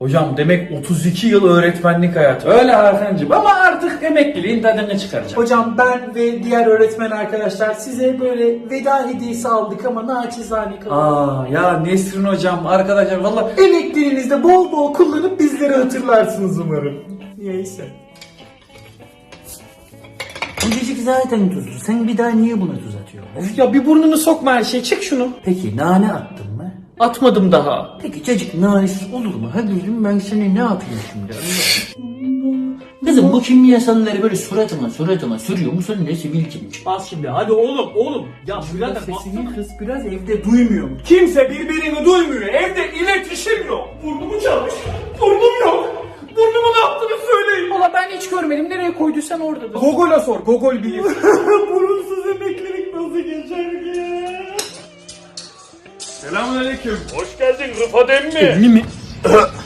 Hocam demek 32 yıl öğretmenlik hayatı. Öyle Hakan'cığım ama artık emekliliğin tadını çıkaracağım. Hocam ben ve diğer öğretmen arkadaşlar size böyle veda hediyesi aldık ama naçizane kalın. Ya Nesrin hocam arkadaşlar valla Emekliliğinizde bol bol kullanıp bizleri hatırlarsınız umarım. Neyse. Bu cacık zaten tuzlu. Sen bir daha niye buna tuz atıyorsun? ya bir burnunu sokma her şey çek şunu. Peki nane attın mı? Atmadım daha. Peki cacık nanesiz olur mu? Hadi gülüm ben sana ne yapayım şimdi? Kızım bu kimyasalları böyle suratıma sürüyor musun ne sivilcim? Bas şimdi hadi oğlum. Ya birader sesini kız biraz evde duymuyor mu? Kimse birbirini duymuyor. Evde iletişim yok. Burnumu çalmış. Burnum yok. Burnumu ne yaptığını söyleyin. Valla ben hiç görmedim nereye koyduysan oradadır. Gogol'a sor. Gogol bilir. Burunsuz emeklilik nasıl geçer ki? Selamünaleyküm. Hoş geldin Rıfat emmi. mi?